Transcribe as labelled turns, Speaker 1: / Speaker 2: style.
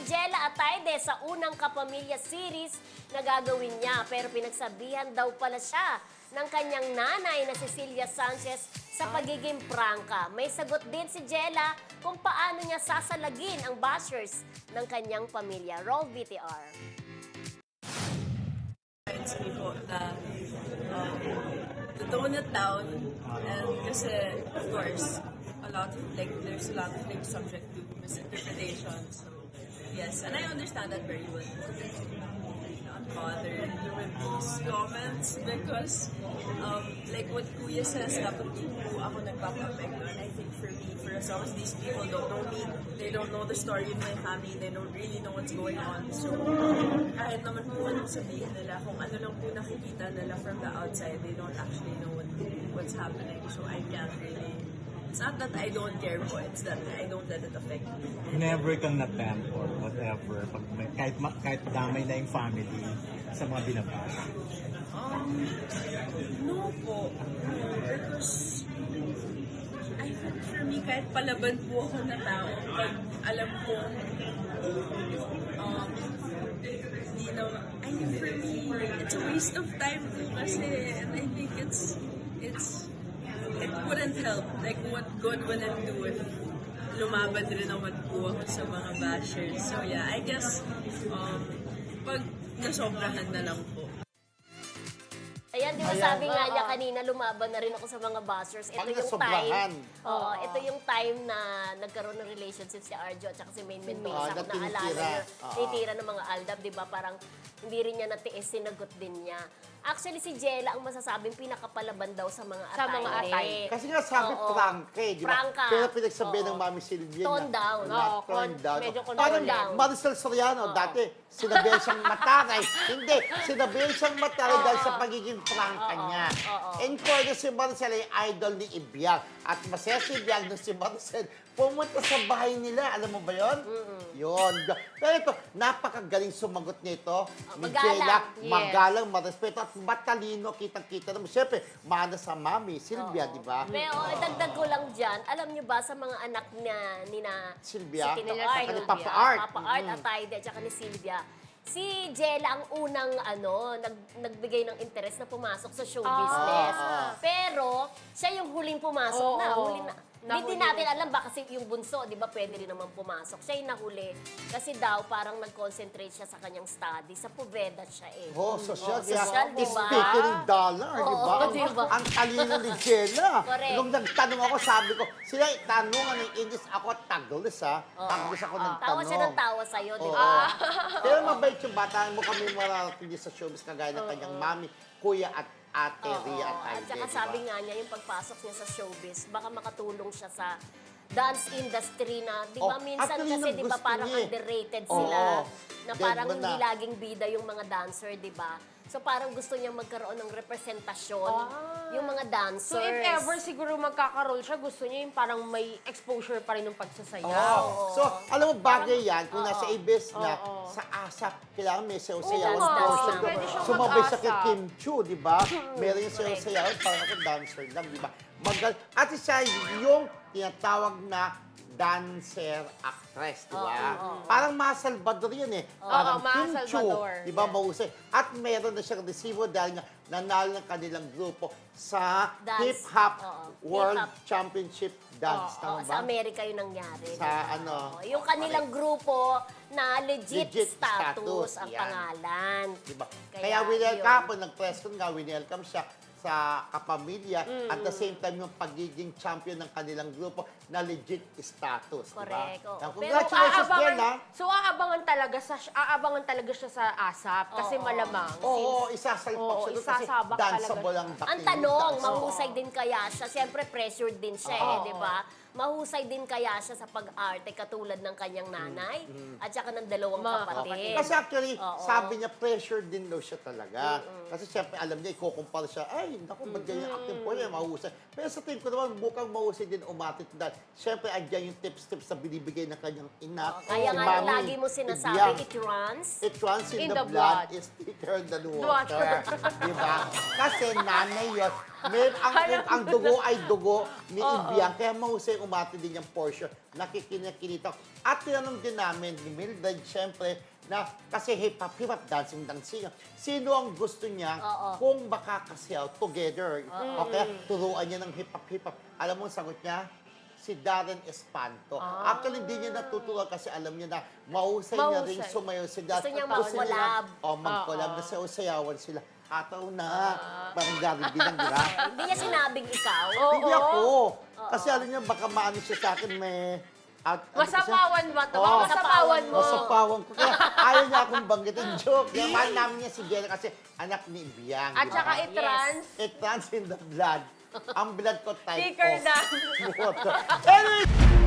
Speaker 1: Jella Ataide sa unang Kapamilya series na gagawin niya. Pero pinagsabihan daw pala siya ng kanyang nanay na Cecilia Sanchez sa pagiging prangka. May sagot din si Jella kung paano niya sasalagin ang bashers ng kanyang pamilya. Roll VTR.
Speaker 2: It's people na to tone it down, and kasi of course there's a lot of things subject to misinterpretation, so yes, and I understand that very well. Not bothered with these comments because like what Kuya says, dapat di po ako nagpapapekto, and I think for me, for as long as these people don't know me, they don't know the story of my family, they don't really know what's going on, so kahit naman po anong sabihin nila, kung ano lang po nakikita nila from the outside, they don't actually know what's happening, so I can't really. It's not that I don't care po, it's that I don't let it affect me.
Speaker 3: Never kang na-tempt or whatever, pag kahit damay na yung family sa mga binabash?
Speaker 2: No po. Because I think for me, kahit palaban po ako na tao, pag alam ko, hindi na, I mean, for me, it's a waste of time po kasi, and I think it wouldn't help. Like, what good would it do if lumaban rin naman po ako sa mga bashers? So yeah, I guess, pag nasobrahan na lang po.
Speaker 1: Ayan, di ba sabi nga niya kanina, lumaban na rin ako sa mga bashers. Ito yung time. Ito yung time na nagkaroon ng relationship si Arjo at saka si Maynmen Mesa. Kung naalala niya, tinitira ng mga Aldab, di ba? Parang hindi rin niya natiis, sinagot din niya. Actually, si Jella ang masasabing pinakapalaban daw sa mga atay.
Speaker 4: Kasi nga sabi prangka di ba?
Speaker 1: Prangka.
Speaker 4: Pero pinagsabihan ng Mami Silvia
Speaker 1: Tone down.
Speaker 4: Tone down.
Speaker 1: Medyo
Speaker 4: Parang
Speaker 1: down.
Speaker 4: Maricel Soriano, dati sinabihan siyang mataray. Hindi, sinabihan siyang mataray dahil sa pagiging prangka niya. In fairness, si Maricel ay idol ni Ibiang. At masaya si Ibiang na si Maricel pumunta sa bahay nila. Alam mo ba yun? Yun. Pero ito, napakagaling sumagot nito. Ni Jella, magalang, marespeto, at matalino, kitang-kita naman. Siyempre, mana sa Mami, Silvia, di ba?
Speaker 1: Pero dagdag ko lang dyan, alam niyo ba sa mga anak ni na
Speaker 4: Silvia?
Speaker 1: si Tito
Speaker 4: Saka
Speaker 1: Art,
Speaker 4: ni Papa Art.
Speaker 1: Papa Art at Taide, at saka ni Silvia, si Jella ang unang nagbigay ng interest na pumasok sa show business. Pero siya yung huling pumasok na. Huling na. Hindi natin alam ba kasi yung bunso, di ba, pwede rin naman pumasok. Siya yung nahuli. Kasi daw, parang nag-concentrate siya sa kanyang study. Sa Poveda siya eh.
Speaker 4: Social,
Speaker 1: social, di ba?
Speaker 4: Speaking dollar, di ba?
Speaker 1: diba?
Speaker 4: Ang talino ni Jella.
Speaker 1: Correct.
Speaker 4: Nung nagtanong ako, sabi ko, sila tanungan ng English, ako Tagalog, ha? Tagalog ako nagtanong.
Speaker 1: Tawa siya ng tawa sa'yo, di ba?
Speaker 4: Pero mabait yung bata. Mo kami mararating sa showbiz, kagaya ng kanyang mami, kuya at ate Ria at Aide.
Speaker 1: At saka sabi nga niya, yung pagpasok niya sa showbiz, baka makatulong siya sa dance industry na, di ba, minsan kasi, di ba, parang underrated sila. Na parang hindi laging bida yung mga dancer, di ba? So parang gusto niya magkaroon ng representasyon yung mga dancers.
Speaker 5: So if ever siguro magkakaroon siya, gusto niya yung parang may exposure pa rin ng pagsasayaw.
Speaker 4: So, alam mo, bagay yan, kung nasa ABS na, sa ASAP, kailangan may sayaw-sayaw.
Speaker 5: Pwede siyang
Speaker 4: Sumabay sa kay
Speaker 5: mag-ASAP.
Speaker 4: Kim Chu, di ba? Meron yung sayaw-sayaw, parang ako dancer lang, di ba? At isa yung tinatawag na dancer actress, di ba? Parang Ma Salvador yan eh. Parang
Speaker 5: Ma
Speaker 4: Kim Chu,
Speaker 5: Salvador.
Speaker 4: di ba, mahusay. At meron na siyang resibo dahil nga nanalo ng kanilang grupo sa Hip-Hop World Championship Dance. Tama ba?
Speaker 1: Sa Amerika yun nangyari.
Speaker 4: Sa ano?
Speaker 1: Yung kanilang grupo na legit
Speaker 4: status,
Speaker 1: status ang
Speaker 4: yan.
Speaker 1: pangalan.
Speaker 4: Diba? Kaya winelcome po, nag-question nga, winelcome siya sa kapamilya at the same time yung pagiging champion ng kanilang grupo na legit status.
Speaker 1: Correct.
Speaker 4: Diba?
Speaker 1: Oo.
Speaker 4: Congratulations, Jella.
Speaker 5: So aabangan talaga siya sa ASAP kasi malamang.
Speaker 4: Oo, isasalpak siya doon kasi
Speaker 5: isasabak
Speaker 4: danceable
Speaker 5: talaga
Speaker 4: ang
Speaker 1: Ang tanong, mahusay din kaya siya? Siyempre, pressured din siya di ba? Mahusay din kaya siya sa pag-arte katulad ng kanyang nanay at saka ng dalawang kapatid.
Speaker 4: Kasi actually, sabi niya, pressure din daw siya talaga. Kasi siyempre, alam niya, ikukumpara siya, ay, naku, ba't ganyan acting po niya, mahusay. Pero sa tingin ko naman, mukhang mahusay din umatit dahil siyempre, andyan yung tips-tips na binibigay ng kanyang ina.
Speaker 1: Kaya nga, lagi mo sinasabi, it runs.
Speaker 4: It runs in the blood is thicker than water. Diba? Kasi nanay yun. Ang dugo ay dugo ni Ibiang. Kaya mahusay umati din yung portion. Nakikinita. At tinanong din namin ni Mildred, syempre, na kasi hip-hop, dancing. Sino ang gusto niya kung makakasayaw together? O kaya turuan niya ng hip-hop. Alam mo ang sagot niya? Si Darren Espanto. Actually, hindi niya natutuwa kasi alam niya na mahusay niya rin sumayaw si Darren.
Speaker 1: Gusto niyang mag-collab.
Speaker 4: Mag-collab na sayaw-sayawan sila. Ataw na. Parang Gary B lang, di ba?
Speaker 1: Hindi niya sinabing ikaw.
Speaker 4: Hindi ako. Kasi alam niya, baka maano siya sa akin, may...
Speaker 5: Masapawan ba to?
Speaker 4: Oo.
Speaker 5: Masapawan mo.
Speaker 4: Masapawan ko. Kaya ayaw niya akong banggitin. Joke. Yung mahal namin niya si Jenna kasi anak ni Ibiang.
Speaker 5: At
Speaker 4: di ba?
Speaker 5: saka i-trans.
Speaker 4: It runs in the blood. Ang blood ko type
Speaker 5: Thicker
Speaker 4: of
Speaker 5: than.
Speaker 4: water. Anyway,